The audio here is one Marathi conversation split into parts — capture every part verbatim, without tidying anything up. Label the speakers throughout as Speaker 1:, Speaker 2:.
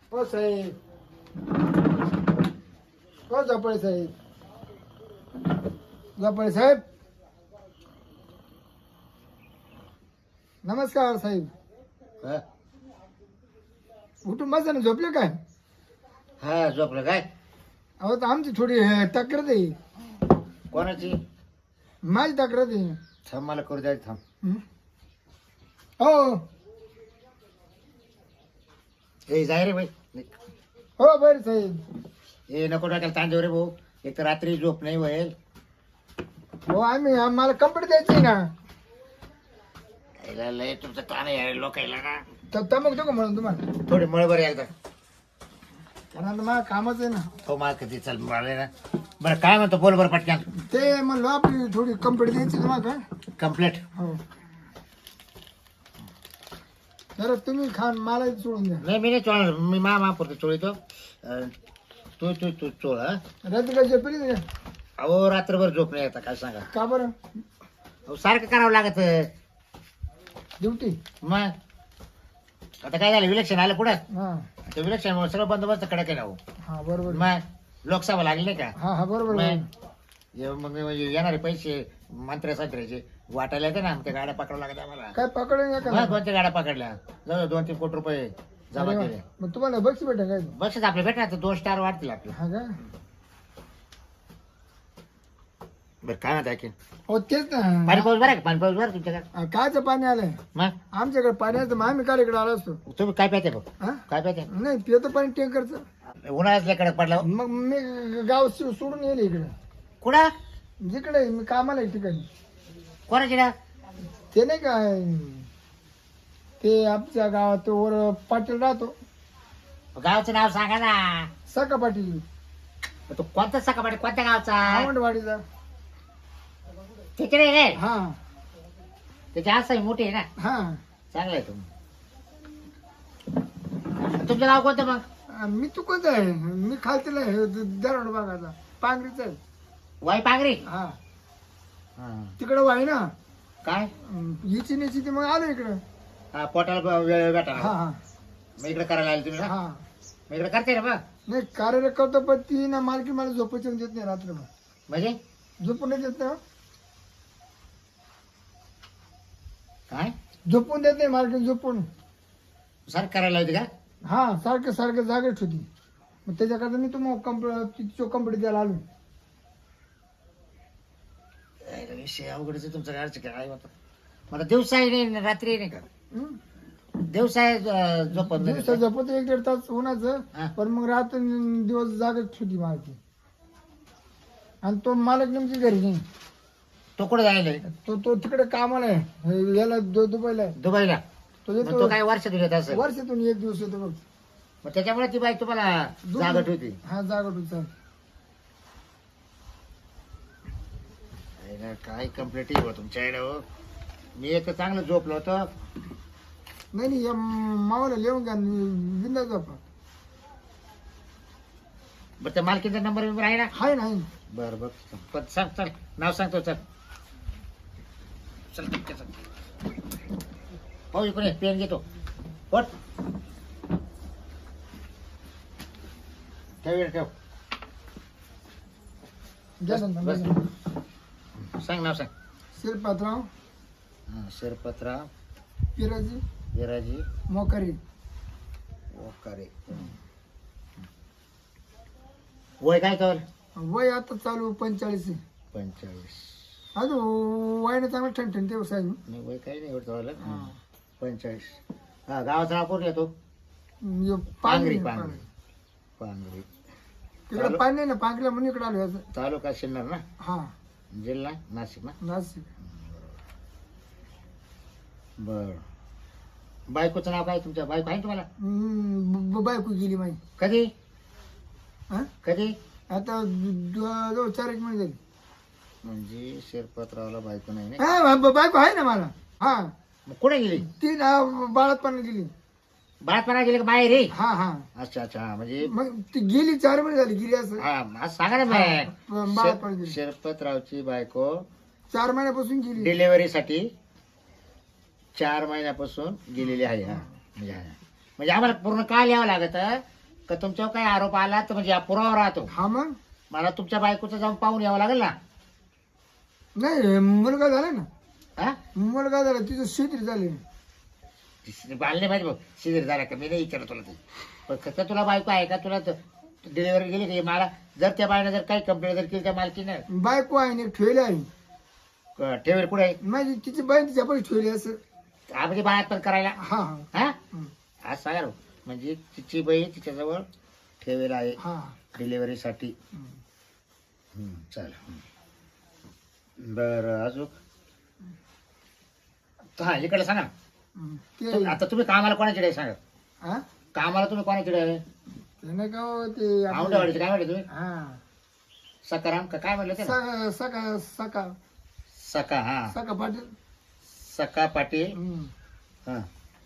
Speaker 1: हो साहेब, हो झोपळे साहेब, झोपळे साहेब, नमस्कार साहेब.
Speaker 2: हा
Speaker 1: उठून बसा ना, झोपले काय?
Speaker 2: हा, झोपलं काय?
Speaker 1: अहो तर आमची थोडी अं, तक्रार आहे.
Speaker 2: कोणाची?
Speaker 1: माझी तक्रार आहे.
Speaker 2: थांब, मला करू द्यायचं, थांब.
Speaker 1: हं? हो
Speaker 2: ए जाय रे बाई.
Speaker 1: हो बरं साहेब.
Speaker 2: ए नको टाकायला तांदेव रे भाऊ. एक तर रात्री झोप नाही होईल.
Speaker 1: हो आम्ही आम्हाला कंपनी द्यायची ना.
Speaker 2: यायला लय तुमचं ताण आहे लोकायला ना.
Speaker 1: तर तमक देऊ का म्हणून तुम्हाला?
Speaker 2: थोडी मळ बरं एकदा.
Speaker 1: कारण आता मला कामच आहे ना.
Speaker 2: हो मला कधी चल मला ना. बरं काय म्हणतो बोल बरं पटकन.
Speaker 1: ते म्हणलं आपली थोडी कंपनी द्यायची तुम्हाला का?
Speaker 2: कम्प्लीट.
Speaker 1: हो जरा तुम्ही खान मला सोडून द्या.
Speaker 2: नाही मी नाही चोळणार. मी मा मा पुरतो चोळीतो. तू तू तू चोळ. हा
Speaker 1: रात्री काय झोपली का?
Speaker 2: अहो रात्रभर झोप नाही येता काय सांगा.
Speaker 1: का बरं?
Speaker 2: अहो सारखं करावं लागत.
Speaker 1: ड्युटी.
Speaker 2: मग आता काय झालं विलक्षण आलं पुढं.
Speaker 1: हा
Speaker 2: ते विलक्षण सगळं बंदोबस्त कडक आहे ना हो.
Speaker 1: हा बरोबर.
Speaker 2: मग लोकसभा लागली नाही का?
Speaker 1: हा हा बरोबर.
Speaker 2: मग ये- मग येणारे पैसे मंत्र्या संत्र्याचे वाटायला येते ना. त्या गाड्या पकडावं लागत आम्हाला.
Speaker 1: काय पकडून या
Speaker 2: मग
Speaker 1: का?
Speaker 2: दोन तीन गाड्या पकडल्या. जवळ दोन तीन कोटी रुपये जमा
Speaker 1: अरे
Speaker 2: केले.
Speaker 1: वा. मग तुम्हाला बक्षी भेटेल काय?
Speaker 2: बक्षीस आपले भेटणार तर दोन स्टार वाढतील आपले.
Speaker 1: हा का?
Speaker 2: बरं काय म्हणता की
Speaker 1: हो तेच ना.
Speaker 2: पाणी पाऊस बरं का? पाणी पाऊस बरं तुमच्याकडे?
Speaker 1: हा, कायचं पाणी आलंय
Speaker 2: मग
Speaker 1: आमच्याकडे? पाण्याचं मग आम्ही काल इकडे आलो असतो.
Speaker 2: तुम्ही काय प्याते बघ?
Speaker 1: हा
Speaker 2: काय प्याते?
Speaker 1: नाही पितो पाणी टँकरचं.
Speaker 2: उन्हाळ्यातल्या कडक पडला हो.
Speaker 1: मग मी गाव सो- सोडून येईल इकडे.
Speaker 2: कुठं?
Speaker 1: जिकडे आहे, मी कामाला आहे ठिकाणी.
Speaker 2: कोणाची ना?
Speaker 1: ते नाही काय ते आमच्या गावात तो वर पाटील राहतो.
Speaker 2: गावचं नाव सांगा ना.
Speaker 1: सका पाटील
Speaker 2: तो कोणता सकाळी कोणत्या गावचा?
Speaker 1: आवंडवाडीचा.
Speaker 2: तिकडे रे.
Speaker 1: हा
Speaker 2: त्याची आसाही मोठी आहे ना.
Speaker 1: हा
Speaker 2: चांगलं आहे तुम्ही. तुमचं गाव कोणतं मग?
Speaker 1: आ, मी तू कोणता आहे? मी खालतीला आहे दरड भागाचा पांगरीचा आहे.
Speaker 2: वाई पांगरी.
Speaker 1: हा
Speaker 2: हा.
Speaker 1: तिकडं वाई ना.
Speaker 2: काय?
Speaker 1: हिची निची ती मग आलो इकडं.
Speaker 2: हा, पोटाला वेळ भेटा.
Speaker 1: हा हा
Speaker 2: मग इकडे करायला आले तुम्ही ना.
Speaker 1: हा
Speaker 2: मग इकडे करते ना मग.
Speaker 1: नाही कार्यरत करतो पण ती ना मालकी मला झोपायची देत नाही रात्रभर.
Speaker 2: म्हणजे
Speaker 1: झोपून नाही देत ना.
Speaker 2: काय
Speaker 1: झोपून देत नाही मालकी. झोपून
Speaker 2: सर करायला होती का?
Speaker 1: हा सारखं सारखं जागेच होती. मग त्याच्याकरता मी तुम्हाला कंपनी कंपनी द्यायला आलो.
Speaker 2: अरे, विषय अवघडच आहे तुमचं. काय काय होतं मला दिवसाही नाही रात्री नाही का?
Speaker 1: हं?
Speaker 2: दिवसाही अं, झोपत नाही
Speaker 1: दिवसा
Speaker 2: का?
Speaker 1: झोपत एक दीड तास उन्हाचं.
Speaker 2: हा.
Speaker 1: पण मग रात्र दिवस जागेच होती मालकी. आणि तो मालक नेमकी घरी नाही.
Speaker 2: तो कुठे जायला?
Speaker 1: तो तो तिकडे कामाला आहे. याला दु- दुबईला आहे.
Speaker 2: दुबईला.
Speaker 1: तो
Speaker 2: मग
Speaker 1: येतो
Speaker 2: तो काय वर्षातून येत असेल.
Speaker 1: वर्षातून एक दिवस येतो बघ.
Speaker 2: मग त्याच्यामुळे ती बाई तुम्हाला जागट होती.
Speaker 1: हा जागट होती.
Speaker 2: अरे ना, काय कम्प्लीट हो तुमच्या आईला हो. मी एक तर चांगलं झोपलो होतो.
Speaker 1: नाही नाही या मावाला लिहून घ्या. बिंदा झोपा.
Speaker 2: बरं त्या मालकीचा नंबर बिंबर आहे ना?
Speaker 1: हाय नाही.
Speaker 2: बरं बघ. पण सांग चल नाव सांगतो. चल चल ठीक आहे, चल. पाहू इकडे पेन घेतो. पट ठेव इकडे, ठेव.
Speaker 1: द्या
Speaker 2: बस,
Speaker 1: ना,
Speaker 2: बस.
Speaker 1: द्या.
Speaker 2: सांग नाव सांग.
Speaker 1: शिरपातराव
Speaker 2: हा, शिरपतराव
Speaker 1: पिराजी
Speaker 2: विराजी
Speaker 1: मोकारी.
Speaker 2: ओकारे. वय काय कर?
Speaker 1: वय आता चालू पंचेचाळीस आहे.
Speaker 2: पंचेचाळीस.
Speaker 1: अजून वयाने चांगलं ठणठण ते साहेब.
Speaker 2: नाही वय काही नाही एवढं व्हायला. पंचेचाळीस. हा गावाचा नाव कोण येतो?
Speaker 1: यो
Speaker 2: पांगरी.
Speaker 1: पांगरी
Speaker 2: पांगरी पांगरी.
Speaker 1: तिकडे पाणी नाही ना. पांगरीला म्हणून इकडे आलो. याचं
Speaker 2: तालुका सिन्नर ना.
Speaker 1: हा
Speaker 2: जिल्हा नाशिक ना.
Speaker 1: नाशिक.
Speaker 2: बर. बायकोचं नाव काय तुमच्या? बायको आहे तुम्हाला?
Speaker 1: हम्म, ब- बायको गेली माही.
Speaker 2: कधी
Speaker 1: हा
Speaker 2: कधी?
Speaker 1: आता दो- दो- चार एक महिने झाली.
Speaker 2: म्हणजे शिरपतरावला बायको नाही ना.
Speaker 1: हा ब- बायको आहे ना मला. हा
Speaker 2: मग कुठे गेली?
Speaker 1: ती ना बाळातपणा गेली.
Speaker 2: बाळातपणा गेली का बाहेर रे?
Speaker 1: हा हा
Speaker 2: अच्छा अच्छा. हा, म्हणजे
Speaker 1: मग ती गेली चार महिने झाली गेली असं.
Speaker 2: हा आज सांगा ना
Speaker 1: ब- बाळातपणा
Speaker 2: मग.
Speaker 1: गेली.
Speaker 2: शिरपतरावची बायको
Speaker 1: चार महिन्यापासून गेली.
Speaker 2: डिलिव्हरीसाठी चार महिन्यापासून गेलेली आहे. हा म्हणजे हा. म्हणजे आम्हाला पूर्ण काल यावं लागत का तुमच्यावर काही आरोप आला तर म्हणजे हा पुरावा राहतो.
Speaker 1: हा मग
Speaker 2: मला तुमच्या बायकोचं जाऊन पाहून यावं लागेल ना.
Speaker 1: नाही मुलगा झाला ना,
Speaker 2: हा
Speaker 1: मुलगा झाला तिचं शेती झाली.
Speaker 2: बालने माहिती बघ शिजर झाला का, मी नाही विचारत तुला ते. पण फक्त तुला बायको आहे का, तुला डिलिव्हरी गेली की मला जर त्या बाईनं जर काही कंप्लेंट जर केली त्या मालकीने
Speaker 1: बायको आहे ना ठेवली आहे
Speaker 2: ठेवेल कुठे आहे
Speaker 1: माझी, तिची बाई तिच्या पण ठेवली असं.
Speaker 2: हा म्हणजे बाळात पण करायला.
Speaker 1: हा हा
Speaker 2: हा
Speaker 1: हं.
Speaker 2: हा सांगा ना. म्हणजे तिची बहीण तिच्याजवळ ठेवेल आहे
Speaker 1: हा
Speaker 2: डिलिव्हरीसाठी.
Speaker 1: हं.
Speaker 2: चल बरं अजून हा इकडे सांगा.
Speaker 1: हं.
Speaker 2: तु-
Speaker 1: ते
Speaker 2: आता तुम्ही कामाला कोणाकडे आहे सांगा.
Speaker 1: हा
Speaker 2: कामाला तुम्ही कोणाकडे आहे.
Speaker 1: ते नाही का हो, ते आपलं-
Speaker 2: औंढेवाडीचे काय म्हणले तुम्ही.
Speaker 1: हा
Speaker 2: सकाराम का काय म्हणलं ते ना?
Speaker 1: सका सका सका
Speaker 2: सका हा
Speaker 1: सका पाटील.
Speaker 2: सका पाटील.
Speaker 1: हं.
Speaker 2: हा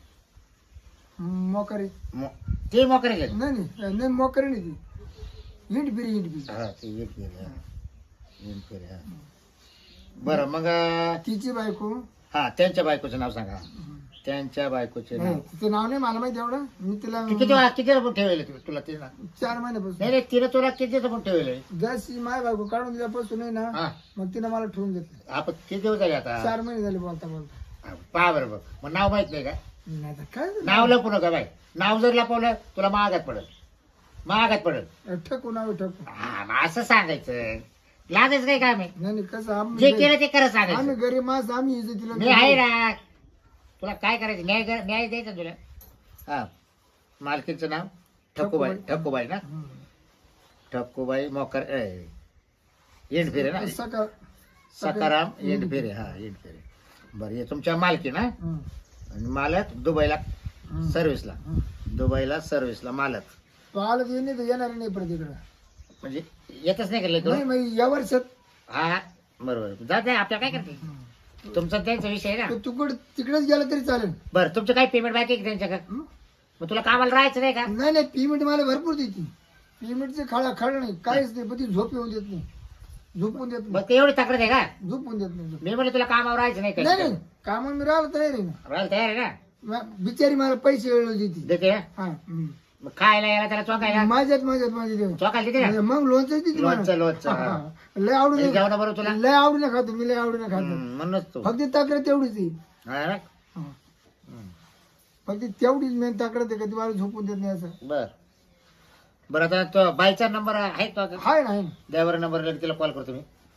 Speaker 1: मोकरे
Speaker 2: मो- ते मोकरे गेले.
Speaker 1: नाही नाही नाही मोकरे नाही ती हिंड फिरी हिंड फिरी
Speaker 2: हा ते एक गेले. हा एक गेले, हा. बरं मग अं,
Speaker 1: तिची बायको.
Speaker 2: हा त्यांच्या बायकोचं नाव सांगा.
Speaker 1: हं.
Speaker 2: त्यांच्या बायकोचे
Speaker 1: नाही
Speaker 2: नाव.
Speaker 1: तिचं नाव नाही मला माहिती एवढं. मी तिला
Speaker 2: ती किती वा- किती पण ठेवले तुला ते ना.
Speaker 1: चार महिन्यापासून
Speaker 2: नाही नाही तिने तुला किती पण ठेवले.
Speaker 1: जशी माय बायको काढून दिल्यापासून आहे ना,
Speaker 2: हा
Speaker 1: मग तिने मला ठेवून घेतलं.
Speaker 2: आपण किती दिवस झाले आता.
Speaker 1: चार महिने झाले बोलता बोलता.
Speaker 2: पहा बरं बघ मग नाव माहित नाही का.
Speaker 1: नाही आता काय
Speaker 2: नाव लपू नका बाई. नाव जर लपवलं तुला महागात पडल, महागात पडल.
Speaker 1: ठकू नाव ठकू.
Speaker 2: हा मग असं सांगायचं. लागायचं काय काम आहे.
Speaker 1: नाही नाही, कसं
Speaker 2: जे
Speaker 1: आम्ही
Speaker 2: केलं ते खरं
Speaker 1: आम्ही
Speaker 2: सांगायचं.
Speaker 1: गरीब माणस आम्ही इज्जतीला
Speaker 2: मी आहे ना. तुला काय करायचं न्याय कर- न्याय द्यायचा तुला. हा मालकीचं नाव ठक्कूबाई. ठक्कूबाई ना.
Speaker 1: हं.
Speaker 2: ठक्कूबाई मोकर येंडफिरे ना.
Speaker 1: सका
Speaker 2: सकाराम येंडफिरे. हा येंडफिरे. बरं हे तुमच्या मालकी ना.
Speaker 1: हं.
Speaker 2: आणि मालक दुबईला
Speaker 1: हं.
Speaker 2: सर्व्हिसला.
Speaker 1: हं.
Speaker 2: दुबईला सर्व्हिसला मालक.
Speaker 1: तो आला तर नाही तर येणार नाही परत इकडं.
Speaker 2: म्हणजे येतच नाही केलं
Speaker 1: नाही
Speaker 2: तो.
Speaker 1: मग या वर्षात
Speaker 2: हा बरोबर जात आहे. आपल्याला काय करते
Speaker 1: हं.
Speaker 2: तुमचा त्यांचा विषय आहे ना.
Speaker 1: तो तुकड तिकडेच गेला तरी चालेल.
Speaker 2: बरं तुमचं काही पेमेंट बाकी आहे का त्यांच्याकडे.
Speaker 1: हं?
Speaker 2: मग तुला कामाला राहायचं नाही का.
Speaker 1: नाही नाही पेमेंट मला भरपूर देते. पेमेंटचे खाडा खाडा नाही काहीच नाही, पण ती झोप येऊन देत नाही. झोपून देत
Speaker 2: मग
Speaker 1: नाही.
Speaker 2: ते एवढी तक्रार आहे का.
Speaker 1: झोपून देत नाही.
Speaker 2: मी म्हणलं तुला कामावर राहायचं नाही
Speaker 1: नाही
Speaker 2: का.
Speaker 1: नाही कामाला मी राहिलो तयार आहे ना.
Speaker 2: राहायला तयार आहे ना.
Speaker 1: मा- बिचारी मला पैसे वेळ देते.
Speaker 2: देते ना?
Speaker 1: हा हं.
Speaker 2: मग खायला यायला त्याला चौकायला
Speaker 1: माझ्यात माझ्यात माझ्या देव.
Speaker 2: चौकायला देते ना.
Speaker 1: मग लोणचं देते मला.
Speaker 2: लोणचं लोणचं
Speaker 1: हा,
Speaker 2: हा.
Speaker 1: हा. लय आवडून
Speaker 2: जेवण बरोबर तुला.
Speaker 1: लय आवडीने खातो मी, लय आवडीने खातो.
Speaker 2: हम्म, म्हणूनच तू.
Speaker 1: फक्त तक्रार तेवढीच आहे.
Speaker 2: हा ना?
Speaker 1: हा.
Speaker 2: हम्म.
Speaker 1: फक्त तेवढीच मेन तक्रार आहे का ती मला झोपून देत नाही असं.
Speaker 2: बर बरं आता तो बाईचा नंबर आहे तो.
Speaker 1: हाय ना, हाय ना.
Speaker 2: द्यावर नंबर तिला कॉल करतो मी.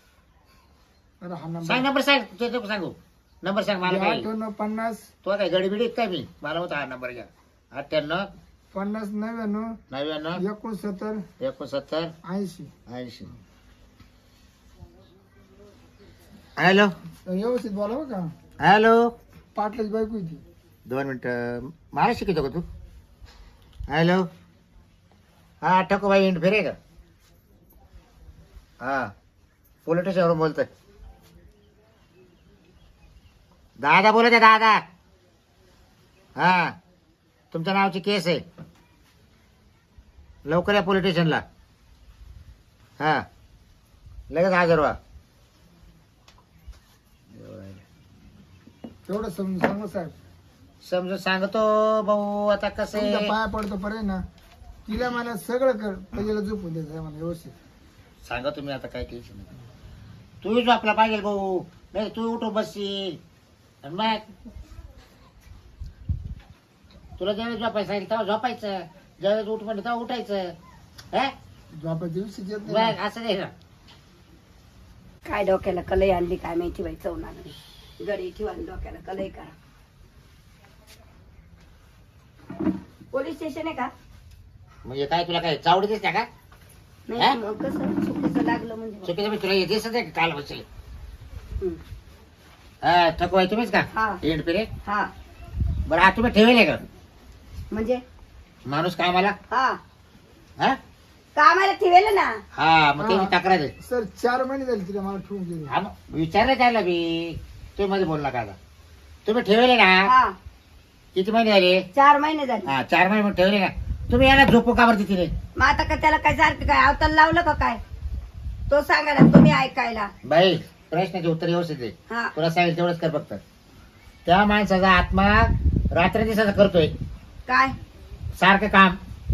Speaker 1: अरे हा नंबर
Speaker 2: सांग नंबर सांग. तू नको सांगू नंबर सांग मला. काय
Speaker 1: अठ्ठ्याण्णव पन्नास
Speaker 2: तो काय गडीबिडीत काय मी मला होता हा नंबर घ्या. अठ्ठ्याण्णव
Speaker 1: पन्नास नव्याण्णव
Speaker 2: नव्याण्णव
Speaker 1: एकोणसत्तर
Speaker 2: एकोणसत्तर
Speaker 1: ऐंशी.
Speaker 2: ऐंशी. हॅलो
Speaker 1: व्यवस्थित बोलावं का.
Speaker 2: हॅलो
Speaker 1: पाटलाची बायको होती.
Speaker 2: दोन मिनिटं मला शिकवतो का तू. हॅलो हा ठकूबाई इंट फिरे का. हा पोलीस स्टेशनवरून बोलतोय. दादा बोलत आहे दादा. हा तुमच्या नावाची केस आहे. लवकर या पोलीस स्टेशनला. हा लगेच हजर व्हा.
Speaker 1: तेवढं समजून सांगा साहेब.
Speaker 2: समजून सांगतो भाऊ. आता कसं
Speaker 1: तुमच्या
Speaker 2: आहे
Speaker 1: पाया पडतो पर्यंत ना, तिला मला सगळं कर पहिल्याला झोपून द्यायचं मला व्यवस्थित.
Speaker 2: सांगा तुम्ही आता काय टेन्शन नाही. तू झोपला पाहिजे भाऊ. नाही तू उठून बसशील. आणि मग तुला ज्यावेळेस झोपायचं सांगितलं तेव्हा झोपायचं. ज्यावेळेस उठ म्हणलं तेव्हा उठायचं. हे?
Speaker 1: झोपायच्या दिवशी येत
Speaker 2: मग
Speaker 1: नाही.
Speaker 2: असं नाही ना.
Speaker 3: काय डोक्याला कलई आणली काय माहिती बाई चवणार नाही. गडी ठेवा आणि डोक्याला कलई करा. पोलीस स्टेशन आहे का.
Speaker 2: म्हणजे काय तुला काय चावडी दिसते का. हा?
Speaker 3: नाही मग कसं चुकीचं लागलं म्हणजे मग.
Speaker 2: चुकीचं मी तुला हे दिसत आहे का काल बसले.
Speaker 3: हं.
Speaker 2: हा थकवाय तुम्हीच का.
Speaker 3: हा.
Speaker 2: एंड पिरे
Speaker 3: हा
Speaker 2: बरं हा तुम्ही ठेवले का
Speaker 3: म्हणजे
Speaker 2: माणूस कामाला.
Speaker 3: हा
Speaker 2: हा
Speaker 3: कामाला ठेवेल ना.
Speaker 2: हा मग
Speaker 1: हा.
Speaker 2: त्याची तक्रार आहे.
Speaker 1: सर चार महिने झाले तिला मला ठेवून गेले.
Speaker 2: हा मग विचारलं त्याला मी. तुम्ही मध्ये बोलला का आता. तुम्ही ठेवले ना.
Speaker 3: हा
Speaker 2: किती महिने झाले.
Speaker 3: चार महिने झाले.
Speaker 2: हा चार महिने मग ठेवले ना. तुम्ही याला झोपू का बरं तिथे.
Speaker 3: मग आता का त्याला काय सारखं काय अवताल लावलं का काय. तो सांगा ना तुम्ही ऐकायला.
Speaker 2: बाई प्रश्नाचे उत्तर व्यवस्थित आहे.
Speaker 3: हा
Speaker 2: तुला सांगेल तेवढंच कर फक्त. त्या माणसाचा आत्मा रात्र दिवसाचा करतोय
Speaker 3: काय
Speaker 2: सारखं काम.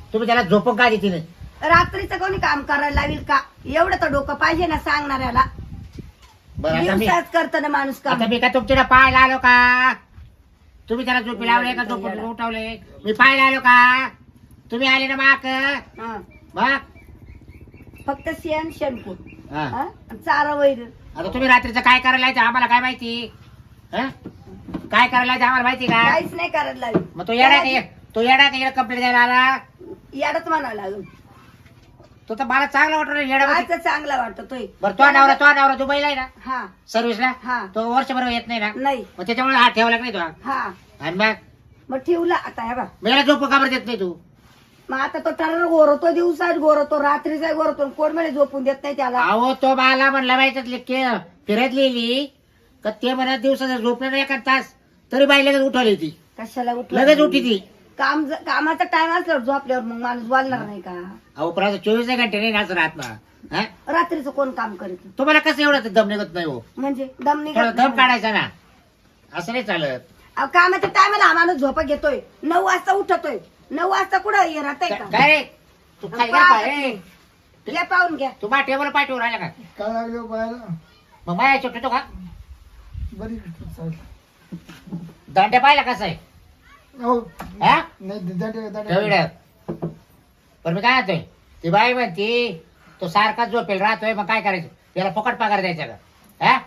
Speaker 2: तुम्ही त्याला झोपून का देते नाही?
Speaker 3: रात्रीचं कोणी काम करायला लावील का? एवढं तर डोकं पाहिजे ना सांगणाऱ्याला.
Speaker 2: बरं आता मी
Speaker 3: दिवसाच करतं ना माणूस काम.
Speaker 2: आता मी का तुमच्या पाहायला आलो का? तुम्ही त्याला झोपी लावले का झोपून उठवले? मी पाहायला आलो का? तुम्ही आले ना माक
Speaker 3: हा.
Speaker 2: मग
Speaker 3: फक्त शेण शेणकूट
Speaker 2: हा.
Speaker 3: हा? चारा वैर.
Speaker 2: आता तुम्ही रात्रीचं काय करायला यायचं आम्हाला काय माहिती? हं? काय करायला यायचं आम्हाला माहिती का?
Speaker 3: काहीच नाही करायला लागेल.
Speaker 2: मग तो येडा का तो येडा का कंप्लेंट द्यायला आला?
Speaker 3: याडच म्हणावं लागेल.
Speaker 2: तो तर मला चांगला वाटतो येडा.
Speaker 3: आज चांगला वाटतोय.
Speaker 2: बरं तो नवरा तो नवरा दुबईला आहे ना
Speaker 3: हा
Speaker 2: सर्व्हिसला?
Speaker 3: हा.
Speaker 2: तो वर्षभर येत नाही ना?
Speaker 3: नाही.
Speaker 2: मग त्याच्यामुळे हात ठेवला नाही तो.
Speaker 3: हा
Speaker 2: आणि मग
Speaker 3: मग ठेवला आता हे बा.
Speaker 2: मी याला झोप का बरं देत नाही तू?
Speaker 3: मग आता तो टरर गोरवतो, दिवसाच गोरवतो, रात्रीचा गोरवतो, कोण म्हणे झोपून देत नाही त्याला.
Speaker 2: अहो तो मला म्हणला माहिती फिरत लिहिली का ते म्हणत दिवसाचा झोपलं नाही एका तास तरी बाई लगेच उठवली ती.
Speaker 3: कशाला उठ
Speaker 2: लगेच उठी ती.
Speaker 3: काम कामाचा टाइम असल्यावर झोपल्यावर मग माणूस बोलणार नाही का?
Speaker 2: अहो पण आता चोवीस घंटे नाही नाच राहत ना. हं?
Speaker 3: रात्रीचं कोण काम करीत?
Speaker 2: तुम्हाला कसं एवढं दम निघत नाही हो?
Speaker 3: म्हणजे दम निघत
Speaker 2: थोडा दम
Speaker 3: नाही.
Speaker 2: काढायचा ना. असं नाही चालत.
Speaker 3: अहो, कामाच्या टायमाला हा माणूस झोपा घेतोय, नऊ वाजता उठतोय. नऊ वाजता कुठं हे राहतंय का?
Speaker 2: काय रे तू काय
Speaker 3: पहा
Speaker 2: काय रे?
Speaker 3: घ्या पाहून घ्या.
Speaker 2: तू बा टेबल पाठवून राहिला का?
Speaker 1: काय लागले पाहायला?
Speaker 2: मग माया छोटतो का?
Speaker 1: बरी चालेल.
Speaker 2: दांड्या पाहिला कसं आहे?
Speaker 1: हो
Speaker 2: हा?
Speaker 1: नाही दाटे दाटे
Speaker 2: ठेवड. पण मी काय म्हणतोय ती बाई म्हणती तो सारखा झोपेल राहतोय मग काय करायचं? त्याला फुकट पगार द्यायचा का? हा?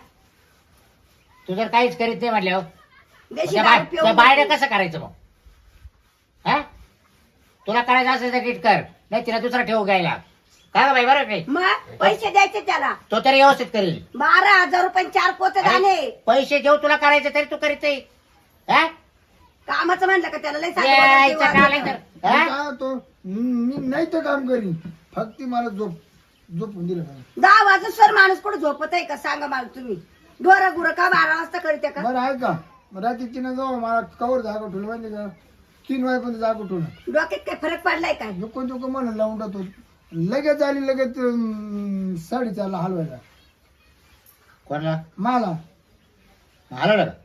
Speaker 2: तू जर काहीच करीत नाही म्हटल्यावर
Speaker 3: देशी दारू पिऊन
Speaker 2: बाहेर
Speaker 3: जाते.
Speaker 2: कसं करायचं मग? हा? तुला करायचं असेल तर नीट कर नाही तिला दुसरा ठेवू घ्यायला. काय गं बाई बरोबर नाही?
Speaker 3: मग पैसे द्यायचे त्याला.
Speaker 2: तो तरी व्यवस्थित करेल.
Speaker 3: बारा हजार रुपये चार पोते दाणे.
Speaker 2: पैसे देऊ तुला करायचं तरी तू करीत नाही. हा?
Speaker 3: कामाचं म्हणलं का त्याला लय
Speaker 2: यायचं
Speaker 3: सांगितलं
Speaker 2: का नाही
Speaker 3: वाजवतं.
Speaker 2: तर? हा?
Speaker 1: मी काय होतो मी नाही तर काम करीन फक्त मला झोप झोपून दिलं पाहिजे.
Speaker 3: दहा वाजता सर माणूस कुठं झोपत आहे का सांगा मला तुम्ही? ढोरा गुरं का बारा वाजता करते का?
Speaker 1: बरं आहे का रात्री तीन जाऊ मला कवर जागा ठेवलं माहिती का तीन वाजेपर्यंत जागा ठेवलं
Speaker 3: डोक्यात काय फरक पडलाय काय?
Speaker 1: नको नको म्हणून लावून टाकतो लगेच आली लगेच अं, साडेचारला हलवायला
Speaker 2: कोणाला
Speaker 1: मला
Speaker 2: हलवलं का?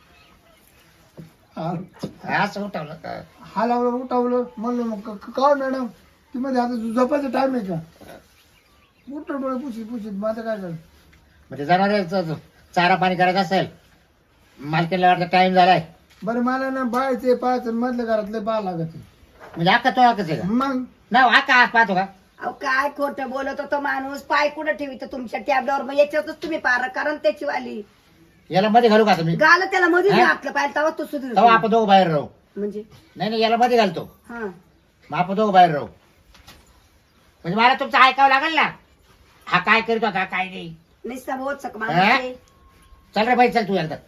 Speaker 1: हाल-
Speaker 2: असं उठवलं का?
Speaker 1: हलवलं उठवलं म्हणलं मग क- क- का मॅडम ती मध्ये आता झोपायचा टाइम आहे का उठलं डोळे पुशीत पुशीत माझं काय कर
Speaker 2: म्हणजे जनावर चारा पाणी करायचं असेल मालकीला वाटतं टाइम झालाय
Speaker 1: बरं मला ना बायचे पाहायचं मधल्या घरातले पाहा लागत
Speaker 2: म्हणजे अक्का तो अक्काच आहे का?
Speaker 1: मग
Speaker 2: ना हा का पाहतो का?
Speaker 3: अहो काय खोटं बोलत होतो माणूस. पाय कुठं ठेवित तुमच्या टॅबलावर? मग याच्यातच तुम्ही पार कारण त्याची वाली
Speaker 2: याला मध्ये घालू का तुम्ही?
Speaker 3: गाल त्याला मध्ये
Speaker 2: हा?
Speaker 3: घातलं पाहिजे तेव्हा तो सुधीर.
Speaker 2: तेव्हा आपण दोघं बाहेर राहू.
Speaker 3: म्हणजे
Speaker 2: नाही नाही याला मध्ये घालतो
Speaker 3: हा
Speaker 2: मग आपण दोघं बाहेर राहू. म्हणजे मला तुमचं ऐकावं लागेल ना हा काय करीत होता काय नाही.
Speaker 3: निस्ता बहुत सक
Speaker 2: हा?
Speaker 3: माणूस
Speaker 2: चल रे बाई चल तू एकदा.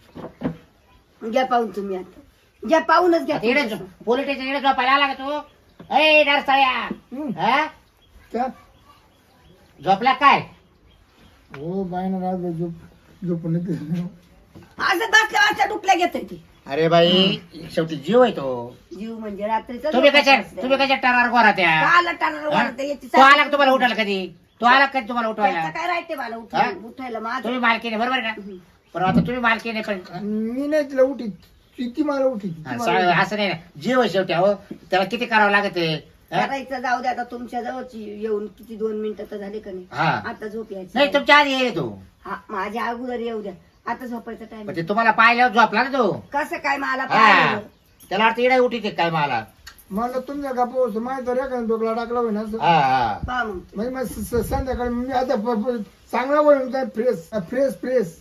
Speaker 3: आहे. घ्या पाहून तुम्ही आता घ्या पाहूनच घ्या
Speaker 2: आता इकडे
Speaker 3: तुम्ही.
Speaker 2: पोलीस स्टेशन इकडे झोपायला आला का तू? ए नरसाळ्या
Speaker 1: हं.
Speaker 2: हा?
Speaker 1: त्या
Speaker 2: झोपला काय?
Speaker 1: हो बायनं रात झोप झोपून येते
Speaker 3: असं बसल्या वाजता डुपल्या घेत ती.
Speaker 2: अरे बाई शेवटी जीव आहे तो.
Speaker 3: जीव म्हणजे रात्रीचा
Speaker 2: तुम्ही कशा तुम्ही कशा टरार गोरा त्या
Speaker 3: काला टाणार वाढते याची
Speaker 2: तो आला का तुम्हाला उठायला कधी? तो आला का कधी तुम्हाला उठवायला?
Speaker 3: त्याचं काय राहते मला
Speaker 2: हा?
Speaker 3: उठायला उठायला माझं.
Speaker 2: तुम्ही मालकीने बरोबर आहे ना? पण आता तुम्ही मालकीने पण
Speaker 1: मी नाही तिला उठी ती ती मला उठी ती
Speaker 2: हा,
Speaker 1: मला
Speaker 2: सा-
Speaker 1: उठी.
Speaker 2: असं नाही ना जीव आहे शेवटी अहो त्याला किती करावं लागत आहे हा?
Speaker 3: करायचं जाऊ दे आता तुमच्या जवळची येऊन किती दोन मिनिटं तर झाले का नाही?
Speaker 2: हा.
Speaker 3: आता झोप यायची
Speaker 2: नाही तुमच्या आधी येईल तो
Speaker 3: हा माझ्या अगोदर येऊ द्या. आता झोपायचा टाइम.
Speaker 2: म्हणजे तुम्हाला पाहिल्यावर झोपला ना तो.
Speaker 3: कसं काय मला
Speaker 2: हा
Speaker 3: पाहिलं?
Speaker 2: त्याला वाटतं इडा उठी काय मला.
Speaker 1: म्हणलं तुमच्या का पोहोच माहिती तर एखादा डोकला टाकला होईना असं.
Speaker 2: हा हा
Speaker 3: पहा मग.
Speaker 1: म्हणजे मग स- स- संध्याकाळी मी आता प- प- चांगला बोलून काय फ्रेश फ्रेश फ्रेश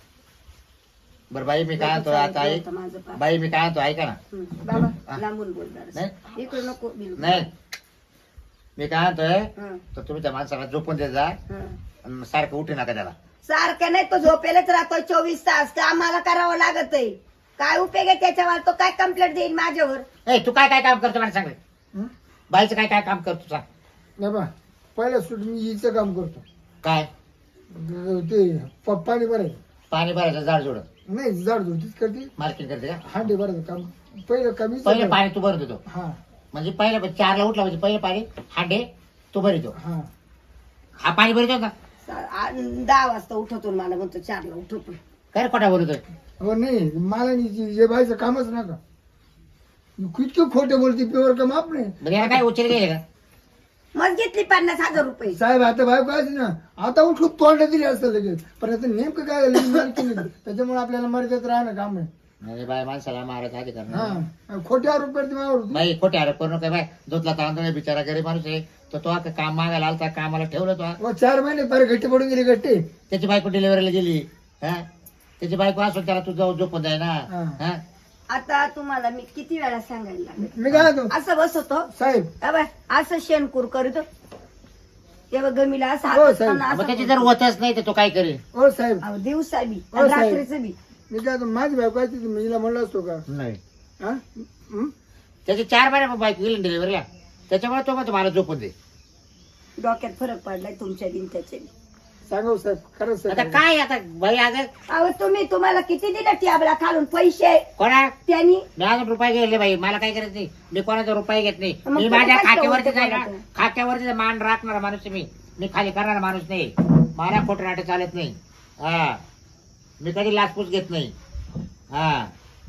Speaker 2: बरं बाई मी काय म्हणतो आता ऐक
Speaker 3: होतं माझं पहा.
Speaker 2: बाई मी काय म्हणतो ऐका ना.
Speaker 3: हं, बाबा लांबून बोल जरासं.
Speaker 2: नाही.
Speaker 3: इकडे नको बिलकुल.
Speaker 2: नाही मी काय म्हणतोय
Speaker 3: हं,
Speaker 2: तर तुम्ही त्या माणसाला झोपून देत जा
Speaker 3: हं.
Speaker 2: आणि सारखं उठू नका त्याला.
Speaker 3: सारखं नाही तो झोपेलाच राहतोय चोवीस तास. तर आम्हाला करावं लागत आहे. काय उपयोग आहे त्याच्यावर? तो काय कंप्लेंट देईन माझ्यावर?
Speaker 2: ए तू काय काय काम करतो मला सांग रे.
Speaker 1: हं?
Speaker 2: बाईचं काय काय काम करतो सांग.
Speaker 1: नाही बा पहिलं सूट मी हिचं काम करतो
Speaker 2: काय?
Speaker 1: ते प- पाणी भरायचं
Speaker 2: पाणी भरायचं झाड जोडत
Speaker 1: नाही झाड झुडतीच करते
Speaker 2: मार्केट करते का?
Speaker 1: हांडे भरायचं काम पहिलं कमी
Speaker 2: पहिले पाणी तू भरत होतो
Speaker 1: हा
Speaker 2: म्हणजे पहिलं चारला उठला म्हणजे पहिले पाणी हांडे तू भरितो.
Speaker 1: हा
Speaker 2: हा पाणी भरितो का?
Speaker 3: सा- आ- दहा वाजता उठवतो मला म्हणतो चारला उठवतो.
Speaker 2: काय रे खोटा बोलतोय?
Speaker 1: हो नाही मला नाही जे बायचं कामच नका किती खोटे बोलते पेवर का माप नाही
Speaker 2: म्हणजे याला काय उचल गेले का
Speaker 3: मग घेतली पन्नास हजार रुपये
Speaker 1: साहेब आता बायको आहे ना आता उठून तोंड दिली असतं लगेच पण आता नेमकं काय झालं मी मालकी नाही. त्याच्यामुळे आपल्याला मर्यादेत राहणं काम आहे.
Speaker 2: म्हणजे बाय माणसाला मारायचा अधिकार नाही.
Speaker 1: हा खोटे आरोप करते माझ्यावर.
Speaker 2: बाई खोटे आरोप करू नका बाय धुतला तांदूळ आहे, बिचारा गरीब माणूस आहे तो तो आता काम मागायला आलता कामाला ठेवलं तो
Speaker 1: व चार महिने पार गट्टे पडून गेले गट्टे.
Speaker 2: त्याची बायको डिलिव्हरीला गेली हा त्याची बायको असून त्याला तू जाऊ झोपून जाय ना
Speaker 1: हा.
Speaker 2: हा
Speaker 3: आता तुम्हाला मी किती वेळा सांगायला लागले
Speaker 1: मी काय म्हणतो
Speaker 3: असं बसवतो
Speaker 1: साहेब
Speaker 3: अबे, असं शेणकूर करतो तेव्हा गमीला असं
Speaker 1: हो,
Speaker 3: हात
Speaker 1: साहेब.
Speaker 3: असताना
Speaker 2: मग त्याची
Speaker 3: असं
Speaker 2: जर होतच नाही तर तो काय करेल
Speaker 1: हो साहेब
Speaker 3: अहो, दिवसा बी
Speaker 1: हो,
Speaker 3: आणि
Speaker 1: साहेब.
Speaker 3: रात्रीचं बी
Speaker 1: मी काय म्हणतो, माझी बायको आहे ती मी हिला म्हणलं असतो का
Speaker 2: नाही
Speaker 1: हा हं?
Speaker 2: त्याचे चार महिने बायको गेली डिलिव्हरीला त्याच्यामुळे तो मग मला झोपून दे
Speaker 3: डोक्यात फरक पडलाय तुमच्या दिन त्याच्या बी.
Speaker 1: सांगा हो साहेब खरंच
Speaker 2: आता
Speaker 1: साहेब.
Speaker 2: काय आता बाई अगं
Speaker 3: अहो तुम्ही तुम्हाला किती दिलं टॅबला खालून पैसे
Speaker 2: कोणा
Speaker 3: त्यांनी
Speaker 2: मी अजून रुपये गेले बाई मला काय करायचं नाही मी कोणाचा रुपये घेत नाही
Speaker 3: मग
Speaker 2: मी
Speaker 3: तुला
Speaker 2: माझ्या
Speaker 3: काय
Speaker 2: खात्यावरती
Speaker 3: सवय
Speaker 2: जाईल ना
Speaker 3: कोणाचं?
Speaker 2: खात्यावरती मान राखणारा माणूस आहे मी मी खाली करणारा माणूस नाही मला खोटं नाटक चालत नाही हा मी कधी लाचपूस घेत नाही हा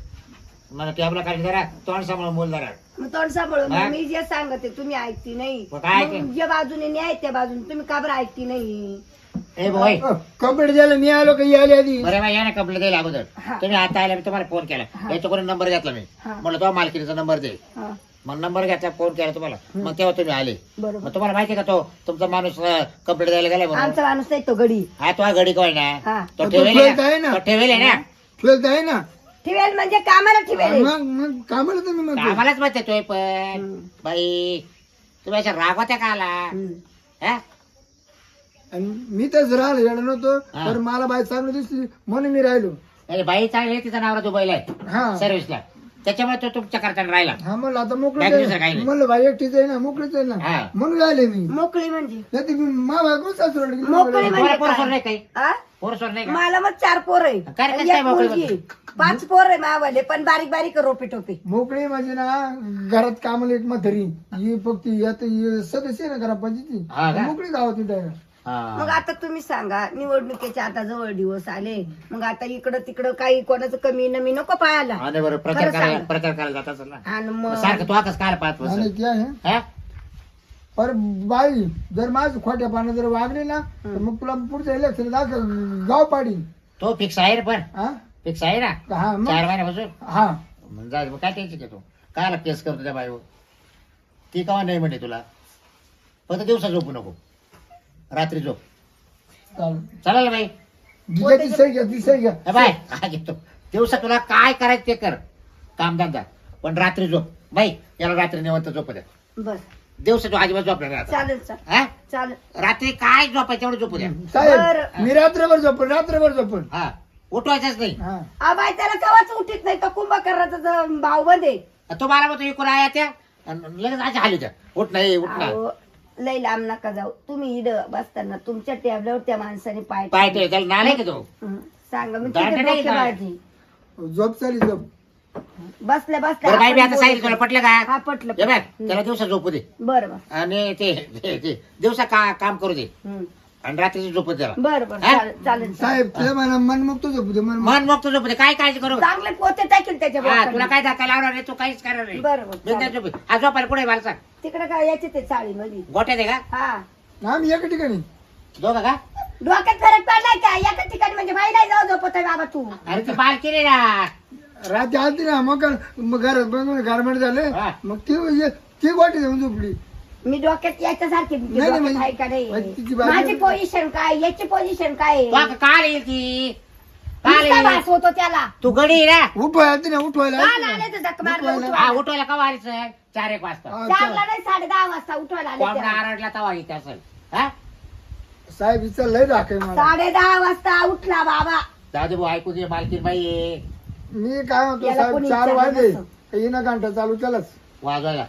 Speaker 2: मला टॅबला काढली जरा तोंड सांभाळून बोल जरा
Speaker 3: मग तोंड सांभाळून
Speaker 2: हा?
Speaker 3: मी जे सांगते तुम्ही ऐकती नाही
Speaker 2: मग काय ऐकते?
Speaker 3: मग ज्या बाजूने न्याय त्या बाजूने तुम्ही का बरं ऐकती नाही
Speaker 2: ए बोय
Speaker 1: अ, कंप्लीट झालं मी आलो काही आली आधी
Speaker 2: बरं बाई या ना कंप्लेंट द्यायला अगोदर
Speaker 3: हा.
Speaker 2: तुम्ही आता आल्या मी तुम्हाला फोन केला
Speaker 3: हा.
Speaker 2: याच्याकडून नंबर घेतला मी
Speaker 3: हा.
Speaker 2: म्हणलं तो मालकीचा नंबर दे
Speaker 3: हा,
Speaker 2: मग नंबर घेतला फोन केला तुम्हाला मग तेव्हा तुम्ही आले
Speaker 3: बरोबर
Speaker 2: मग तुम्हाला माहिती आहे का तो तुमचा माणूस कंप्लेंट द्यायला गेला म्हणून
Speaker 3: आमचा माणूस नाही तो गडी
Speaker 2: हा तो घडी काय ना
Speaker 3: हा.
Speaker 2: तो
Speaker 1: तो
Speaker 2: ठेवेल
Speaker 1: ठेवत आहे
Speaker 2: ना
Speaker 1: ना.
Speaker 2: तो ठेवेल आहे ना
Speaker 1: ठेवत आहे ना
Speaker 3: ठेवेल म्हणजे कामाला ठेवेल
Speaker 1: मग मग कामाला तुम्ही म्हणतो
Speaker 2: आम्हालाच माहिती तोय पण
Speaker 3: हम्म.
Speaker 2: बाई तुम्ही अशा रागवत्या का आला
Speaker 3: हम्म.
Speaker 2: हा?
Speaker 1: आणि मी तर राहिलो येणार नव्हतो
Speaker 2: हा.
Speaker 1: तर मला बाई चांगली दिसली म्हणून मी राहिलो
Speaker 2: अरे बाई चांगली आहे, तिचा नवरा दुबईला आहे
Speaker 1: हा
Speaker 2: सर्व्हिसला त्याच्यामुळे तो तुमच्या करताना राहिला
Speaker 1: हा म्हणलं आता
Speaker 2: बाकी
Speaker 1: मोकळीच
Speaker 2: दुसरं काही
Speaker 1: आहे
Speaker 2: नाही.
Speaker 1: म्हणलं बाई एकटीच आहे ना मोकळीच आहे ना
Speaker 2: हा.
Speaker 1: म्हणून राहिले मी
Speaker 3: मोकळी म्हणजे
Speaker 1: नाही तर मी मा बायको सासरवाडी गेली.
Speaker 3: मोकळी
Speaker 2: तुम्हाला
Speaker 3: म्हणजे
Speaker 2: पोरसोर
Speaker 3: काय?
Speaker 2: नाही काही
Speaker 3: आ?
Speaker 2: पोरसोर नाही का
Speaker 3: मला मग चार पोर आहे
Speaker 2: काय रे,
Speaker 3: आणि
Speaker 2: काय
Speaker 3: एक
Speaker 2: मोकळी
Speaker 3: मुलगी.
Speaker 2: म्हणजे?
Speaker 3: पाच पोर आहे मावाले पण बारीक बारीक रोपे टोपे
Speaker 1: मोकळी म्हणजे ना घरात कामाला एक म्हातारी ही फक्त यात ही सदस्य आहे ना घरा
Speaker 2: हा
Speaker 1: पंचायती
Speaker 2: का?
Speaker 1: मोकळी गावात आहे
Speaker 3: मग
Speaker 2: हा.
Speaker 3: आता तुम्ही सांगा निवडणुकीचे आता जवळ दिवस आले मग आता इकडं तिकडं काही कोणाचं कमी नमी नको पाहायला
Speaker 2: आणि बरं प्रचार
Speaker 3: खरं
Speaker 2: करायला
Speaker 3: सांग.
Speaker 2: प्रचार करायला जात असेल ना
Speaker 3: आणि
Speaker 2: मग
Speaker 3: मग
Speaker 2: सारखं तू आताच काय पाहत
Speaker 1: आणि
Speaker 2: बसेल?
Speaker 1: ते आहे
Speaker 2: हा?
Speaker 1: पर बाई जर माझ खोट्या पानं जर वागले ना तर मग तुला पुढच्या इलेक्शन दाखल गाव पाडी
Speaker 2: तो फिक्स आहे रे पण
Speaker 1: हा
Speaker 2: फिक्स आहे ना
Speaker 1: हा मग
Speaker 2: चार महिन्यापासून
Speaker 1: हा
Speaker 2: मग जा मग काय टेन्शन घेतो कायला केस करतो त्या बाईवर ती कवा नाही म्हणे तुला फक्त दिवसा झोपू नको रात्री झोप
Speaker 1: चालेल
Speaker 2: चालेल बाई
Speaker 1: तिच्याची सही घ्या ती सही घ्या
Speaker 2: ए बाय काय घेतो दिवसा तुला काय करायचं ते कर कामधंदा पण रात्री झोप बाई याला रात्री निवंत झोप द्या
Speaker 3: बर
Speaker 2: दिवसा तू अजिबात झोपला नाही आता.
Speaker 3: चालेल चालेल
Speaker 2: हा?
Speaker 3: चालेल
Speaker 2: रात्री काय झोपायचं तेवढं झोपू द्या
Speaker 1: साहेब
Speaker 3: बरं.
Speaker 1: मी रात्रभर झोपण रात्रभर झोपण
Speaker 2: हा उठवायचंच नाही
Speaker 1: हा
Speaker 3: आबाई त्याला कवाच उठीत नाही तो कुंभकर्णाचा भाव मध्ये
Speaker 2: तो मला म्हणतो इकडून आया त्या आणि लगेच अशा हाली त्या उठ नाही उठ ना
Speaker 3: अहो, लय लांब नका जाऊ तुम्ही इथं बसताना तुमच्या टेबलावर त्या माणसाने पाय
Speaker 2: पाय ठेव, त्याला नालाय का तो
Speaker 3: हं, सांगा मी
Speaker 2: दांडा
Speaker 3: किती
Speaker 2: नाही
Speaker 3: डोके
Speaker 2: का?
Speaker 3: बाळजी.
Speaker 1: झोप चाली झोप
Speaker 3: बसल्या बसल्या
Speaker 2: बरं बाई मी
Speaker 3: आपण
Speaker 2: आता सांगितलं तुला
Speaker 3: बोलू.
Speaker 2: पटलं
Speaker 3: हा
Speaker 2: का
Speaker 3: पटलं
Speaker 2: हे बघ
Speaker 3: हं.
Speaker 2: त्याला दिवसा झोपू दे
Speaker 3: बरं बरं
Speaker 2: आणि ते ते- ते दिवसा का काम करू दे
Speaker 3: हं.
Speaker 2: आणि रात्रीची झोपू दे त्याला
Speaker 3: बरं बरं
Speaker 2: हा?
Speaker 3: चालेल चालेल
Speaker 1: साहेब तुला मला मनमुक्त झोपू दे मन
Speaker 2: मन मग तू झोपू दे काय काळजी करू
Speaker 3: चांगले पोते टाकेल त्याच्या
Speaker 2: हा तुला
Speaker 3: बोटात.
Speaker 2: काय धक्का लावणार नाही तू काहीच करणार नाही
Speaker 3: बरं बरं
Speaker 2: बिनधास्त
Speaker 3: चालेल.
Speaker 2: झोपू. हा झोपायला कुठे मला सांग
Speaker 3: तिकडे काय याचे ते चाळी मध्ये
Speaker 2: गोट्या दे का
Speaker 3: हा
Speaker 1: आम्ही एका ठिकाणी
Speaker 2: दोघं का
Speaker 3: डोक्यात फरक पडलाय का एका ठिकाणी म्हणजे बाई नाही जाऊ झोपत आहे बाबा तू
Speaker 2: अरे ती बाल केली ना
Speaker 1: रात्री आलती ना मग मग घरात बनवून गारमेंट झाले
Speaker 2: हा.
Speaker 1: मग ती ये- ती वाटी जाऊन झोपली
Speaker 3: मी डोक्यात याच्यासारखी
Speaker 1: नाही, नाही,
Speaker 3: डोक्यात
Speaker 1: म्हणजे-
Speaker 3: आहे का
Speaker 1: म्हणजे तिची
Speaker 3: नाही
Speaker 1: बाजू-
Speaker 3: माझी पोझिशन काय याची पोझिशन काय आहे?
Speaker 2: तू आता काल येईल ती काल
Speaker 3: नुसता
Speaker 2: येईल
Speaker 3: वास होतो त्याला
Speaker 2: तू गडी आहे ना
Speaker 1: उठवायला आलती ना उठवायला
Speaker 3: काल
Speaker 1: आलती ना.
Speaker 3: आले तर धक्का मारला
Speaker 1: उठवायला.
Speaker 2: हा
Speaker 3: उठवायला.
Speaker 2: उठवायला का वारीचं चार एक वाजता
Speaker 1: हा,
Speaker 3: चारला नाही साडे दहा वाजता उठवायला आले
Speaker 2: कोंबडा
Speaker 3: त्याला.
Speaker 2: आरडला तवा येते असेल हा
Speaker 1: साहेब हिचा लय राख आहे मला
Speaker 3: साडे दहा वाजता उठला बाबा
Speaker 2: दादू भाऊ ऐकू दे मालकीन बाई आहे.
Speaker 1: मी काय म्हणतो
Speaker 3: याला
Speaker 1: साहेब
Speaker 3: कोणी
Speaker 1: चार
Speaker 3: विचारलं
Speaker 1: वाजले
Speaker 3: नसतं.
Speaker 1: येणं घंटा चालू केलाच
Speaker 2: वाजवायला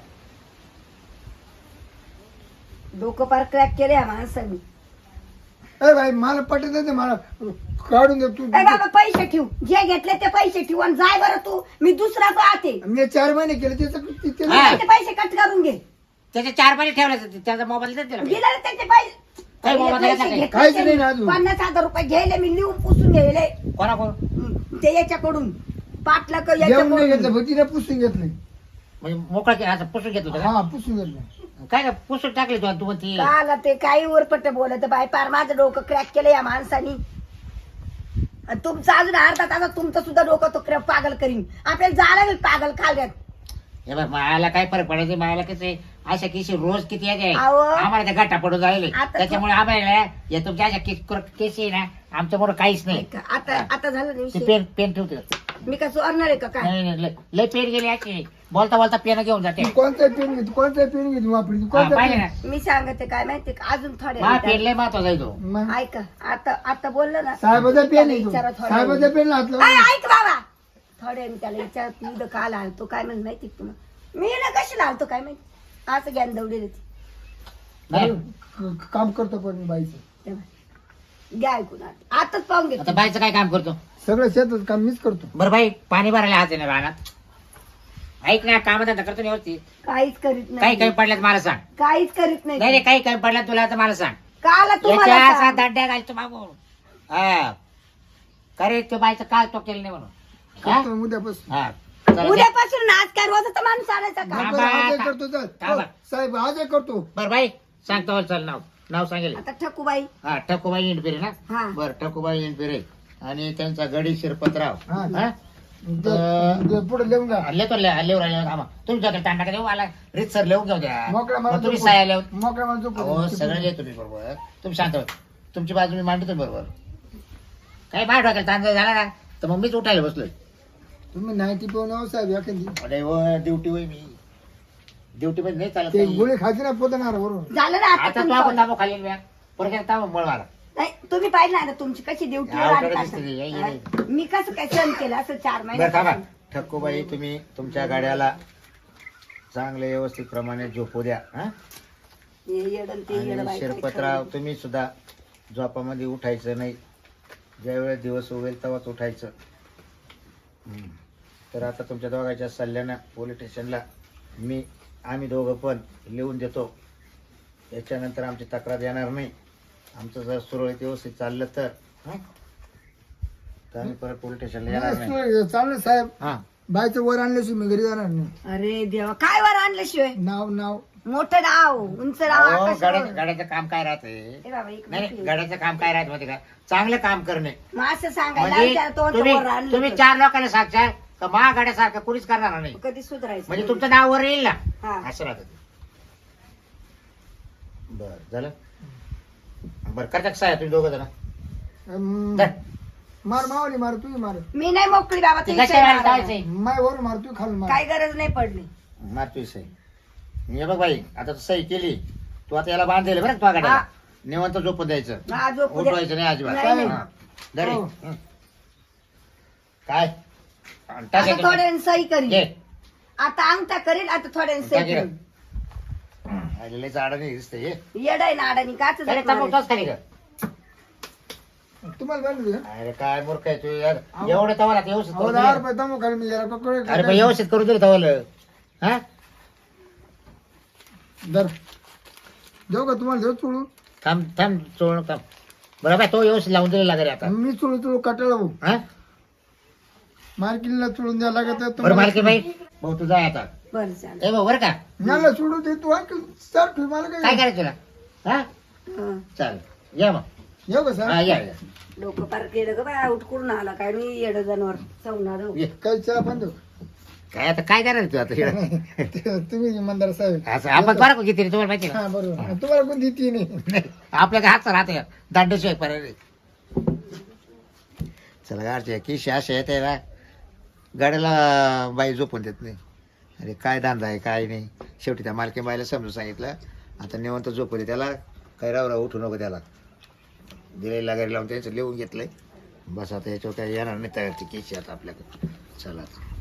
Speaker 3: डोकं पार क्रॅक केले या माणसाने
Speaker 1: ए भाई मला पटत नाही ते मला काढून दे तू
Speaker 3: ए बाबा पैसे ठेव जे घेतले ते पैसे ठेव आणि जाय बरं तू मी दुसरा पाहते
Speaker 1: मी चार महिने केले त्याचं ते- ते-
Speaker 2: हा.
Speaker 3: ते पैसे कट करून घे
Speaker 2: त्याचे चार महिने ठेवले त्याचा मोबाईल देते ना.
Speaker 3: दिले ना त्याचे पैसे
Speaker 2: काय बाबा,
Speaker 3: पहिले
Speaker 2: त्याला
Speaker 3: पैसे
Speaker 2: काय?
Speaker 3: घेतले
Speaker 1: काहीच
Speaker 3: ते.
Speaker 1: नाही ना अजून.
Speaker 3: पन्नास हजार रुपये घ्यायले मी लिहून पुसून घ्यायले
Speaker 2: कोणा कोण
Speaker 3: हं, ते याच्याकडून पाटला क-
Speaker 1: जेवण नाही घेतलं
Speaker 3: याच्याकडून
Speaker 1: भटीने पुसून घेतलं
Speaker 2: म्हणजे मोकळा केला असं पुसून घेत होतं का?
Speaker 1: हा पुसून घेतलं.
Speaker 2: काय का पुसून टाकले तू तू म्हणती
Speaker 3: काला ते काही उरपट बोलत बाय पार माझं डोकं क्रॅक केलं या माणसानी. आणि तुमचं अजून अर्धा तासात तुमचं सुद्धा डोकं तो क्रॅक पागल करीन. आपल्याला जायला लागेल पागल खाल्यात.
Speaker 2: हे बघ मला काय फरक पडायचं मला कसं अशा केसी रोज किती येते
Speaker 3: अहो.
Speaker 2: आम्हाला त्या गट्टा पडून जायले
Speaker 3: आता
Speaker 2: त्याच्यामुळे आम्हाला या तुमच्या अशा केसी आहे ना आमच्यामुळे काहीच नाही.
Speaker 3: ऐका, आता आता झालं
Speaker 2: ते
Speaker 3: नाही.
Speaker 2: पेन पेन ठेवते
Speaker 3: मी का चोरणार आहे का काय?
Speaker 2: नाही नाही लय- लय पेन गेली अशी बोलता बोलता पेन घेऊन जाते
Speaker 1: तू कोणता पेन घेतो कोणता पेन घेतो वापरी तू
Speaker 2: हा,
Speaker 1: कोणता
Speaker 2: पाहिलं
Speaker 1: पेन
Speaker 2: ना
Speaker 3: मी सांगते काय माहिती का अजून थोड्या
Speaker 2: हा
Speaker 3: वेळात-
Speaker 2: पेन लय महत्वाचा आहे तो
Speaker 1: मग
Speaker 3: ऐका आता आता बोललं ना
Speaker 1: साहेबाचा पेन
Speaker 3: त्याला
Speaker 1: आहे
Speaker 3: विचारा
Speaker 1: तो.
Speaker 3: थोड्या
Speaker 1: साहेबाचा
Speaker 3: वेळाने.
Speaker 1: पेन हात
Speaker 3: ऐ,
Speaker 1: लावून.
Speaker 3: ऐक बाबा थोड्या वेळाने त्याला विचार तू इथं का आला तो काय म्हणत माहिती का तुम्हाला? मी ना कशी लावतो काय माहिती असं ज्ञान दौडी देते.
Speaker 2: नाही
Speaker 1: क- काम करतो पण मी बाईचं
Speaker 3: तेव्हा. घ्या ऐकून आता. आताच पाहून घेतो.
Speaker 2: आता बाईचं काय काम करतो
Speaker 1: सगळं शेतात काम मीच करतो.
Speaker 2: बरं बाई पाणी भरायला हात आहे ना रानात ऐक ना काम धंदा करतो ना व्यवस्थित
Speaker 3: काहीच करीत
Speaker 2: काही
Speaker 3: नाही
Speaker 2: कमी पडल्यात मला सांग
Speaker 3: काहीच करीत
Speaker 2: नाही
Speaker 3: नाही
Speaker 2: नाही काही कमी पडल्यात तुला तर मला सांग
Speaker 3: काला तुम्हाला
Speaker 2: याच्या असा
Speaker 3: सांग.
Speaker 2: दंड्या घालतो मागून हा करे तो बाईचं काय तो केलं नाही म्हणून हा?
Speaker 1: करतो उद्यापासून.
Speaker 2: हा चला, जा.
Speaker 3: उद्यापासून नाच काय रोजाचा माणूस आणायचा का?
Speaker 2: थांबा.
Speaker 1: आजही करतो चल.
Speaker 2: थांबा.
Speaker 1: हो, साहेब आजही करतो.
Speaker 2: बरं बाई सांगतो चल नाव नाव सांगेल
Speaker 3: आता ठकूबाई
Speaker 2: हा ठकूबाई इंडपिरे ना
Speaker 3: हा
Speaker 2: बरं ठकूबाई इंडपिरे आणि त्यांचा गडी शिरपतराव
Speaker 1: हा.
Speaker 2: हा?
Speaker 1: दे- दे, पुढे लिहून जा.
Speaker 2: हल्ले तो हल्लेवर आले थांबा तुम्ही जाता तांडा का देऊ मला रीत सर लिहून घेऊ द्या
Speaker 1: मोकळ्या
Speaker 2: मग
Speaker 1: मला
Speaker 2: तुम्ही
Speaker 1: झोपू-
Speaker 2: साया लिहून
Speaker 1: मोकळ्या मला झोपू
Speaker 2: हो
Speaker 1: दे.
Speaker 2: सगळं लिहितो तुम्ही बरोबर तुम्ही शांत व्हा. तुमची बाजू मी मांडतो बरोबर काही बाहेर टाकेल तांदळ झाला ना तर मग मीच उठायला बसलोय
Speaker 1: तुम्ही नाईन्टी पिऊन आहो साहेब एखादी
Speaker 2: अरे व ड्युटी होय मी ड्युटी मध्ये नाही चालत
Speaker 1: ते
Speaker 2: नाही.
Speaker 1: गोळी खायची ना पोतणार बरोबर.
Speaker 3: झालं ना आता
Speaker 2: आता तो
Speaker 3: तुमचं.
Speaker 2: आपण दाबो खाली म्या परत ताबो मळ मारा
Speaker 3: नाही तुम्ही पाहिलं ना आता तुमची कशी ड्युटी
Speaker 2: अवघड दिसते ती, ये, ये.
Speaker 3: मी कसं काय सहन केलं असं चार
Speaker 2: बरं थांबा
Speaker 3: महिने
Speaker 2: ठक्कूबाई तुम्ही तुमच्या गाड्याला चांगले व्यवस्थित प्रमाणे झोपू द्या हा आणि शिरपतराव तुम्ही सुद्धा झोपामध्ये उठायचं नाही ज्यावेळेस दिवस उगेल तेव्हाच उठायचं हम्म. तर आता तुमच्या दोघांच्या सल्ल्यानं पोलीस स्टेशनला मी आम्ही दोघं पण लिहून देतो याच्यानंतर आमची तक्रार येणार नाही आमचं जर सुरळीत व्यवस्थित चाललं तर हं? तर आम्ही परत पोलीस स्टेशनला येणार नाही
Speaker 1: नाही, चालेल साहेब
Speaker 2: हा
Speaker 1: बाईचं वर आणल्याशिवाय मी घरी जाणार नाही.
Speaker 3: अरे देवा काय वर आणल्याशिवाय
Speaker 1: नाव नाव
Speaker 3: मोठं नाव उंच नाव
Speaker 2: अहो,
Speaker 3: आकाशावर.
Speaker 2: गाड्याचं गाड्याचं काम काय राहते
Speaker 3: ए बाबा, एक
Speaker 2: नाही
Speaker 3: मिनिट.
Speaker 2: नाही, गाड्याचं काम काय राहत माहिती का चांगलं काम करणे
Speaker 3: मग असं सांगायला
Speaker 2: म्हणजे
Speaker 3: त्याला तो
Speaker 2: तुम्ही
Speaker 3: वर आणलं
Speaker 2: तुम्ही
Speaker 3: तर.
Speaker 2: चार लोकांना सांगशाल का महागाड्यासारखं कुणीच करणार नाही
Speaker 3: कधी सुधारायचं
Speaker 2: म्हणजे तुमचं नाव वर येईल ना
Speaker 3: हा.
Speaker 2: असं राहत बर झालं बर करता साहेब तुम्ही दोघं जण
Speaker 1: अं,
Speaker 2: धर.
Speaker 1: मार मावली मार तू मार
Speaker 3: मी नाही मोकळी बाबा
Speaker 2: ते
Speaker 3: तुम्ही
Speaker 2: कशा वेळेला
Speaker 3: विचारा.
Speaker 2: जायचंय
Speaker 1: माय वर मार तू खाली मार.
Speaker 3: काय गरज नाही पडली
Speaker 2: मारतोय सही हे बघ बाई आता तू सही केली तू आता याला बांधलेलं बरं का तुझ्या गाड्याला
Speaker 3: हा.
Speaker 2: निवंत झोपून द्यायचं
Speaker 3: हा, झोपू द्या.
Speaker 2: उठवायचं नाही अजिबात
Speaker 3: नाही, नाही.
Speaker 2: हा. धर हे.
Speaker 1: हो.
Speaker 2: हं. काय टाक
Speaker 3: आता
Speaker 2: याच्यात.
Speaker 3: थोड्याने सही करीन
Speaker 2: घे.
Speaker 3: आता अंगठा करीन आता थोड्याने
Speaker 2: टाक
Speaker 3: सही
Speaker 2: इकडं.
Speaker 3: करीन
Speaker 2: आलेलं झाड नाही दिसतंय हे.
Speaker 3: येडाय ना अडाणी काच
Speaker 2: अरे तंबाखू तोच खाली का
Speaker 1: तुम्हाला बांधली का?
Speaker 2: अरे काय मूर्ख आहे तू यार एवढं तवाला आता व्यवस्थित
Speaker 1: अहो
Speaker 2: करून
Speaker 1: दहा
Speaker 2: दिलं.
Speaker 1: रुपये तमो खाली मी जरा ककडे
Speaker 2: अरे पण व्यवस्थित करून दिलं तवाला हा
Speaker 1: दर देऊ का तुम्हाला देऊ चोळू
Speaker 2: थांब थांब चोळ थांब बरं बाय तो व्यवस्थित लावून दिलेला घरी आता
Speaker 1: मी चोळू चोळू कटाळा भाऊ
Speaker 2: हा
Speaker 1: मार्किनला चोळून द्यायला लागत आहे
Speaker 2: बरं
Speaker 1: तुम्हाला.
Speaker 2: मालकी बाई भाऊ तू जाय आता
Speaker 3: बरं चालेल
Speaker 2: ए भाऊ बरं का
Speaker 1: मला सोडू दे तू आणखी सर ठेव मला
Speaker 2: काय
Speaker 1: काय
Speaker 2: करायचं तुला हा
Speaker 3: हं.
Speaker 2: चालेल या मग
Speaker 1: येऊ का
Speaker 2: हा
Speaker 1: सर
Speaker 2: या या
Speaker 3: डोकं पार केलं ग बाय आउट करून आला काय मी येड जनावर सवणार
Speaker 2: ये.
Speaker 1: काही चला पण देऊ
Speaker 2: काय आता काय करणार तू आता इकडं?
Speaker 1: ते- तुम्ही इमानदार साहेब
Speaker 2: असं आपण बरं का किती रे, तुम्हाला माहिती
Speaker 1: हा बरोबर तुम्हाला कोण देते नाही
Speaker 2: नाही आपल्या काय हातचा राहते दांडेशिवाय पर्याय चला गाडच्या किशी अशा येते ना गाड्याला बाई झोपून देत नाही अरे काय धंदा आहे काय नाही शेवटी त्या मालकी बाईला समजून सांगितलं आता निवंत झोपू दे त्याला काही राव राव उठू नको त्याला दिलेला गाडी लावून त्याचं लिहून घेतलंय बस आता याच्यावर काही येणार नाही तयारची केशी आता आपल्याकडे चला आता.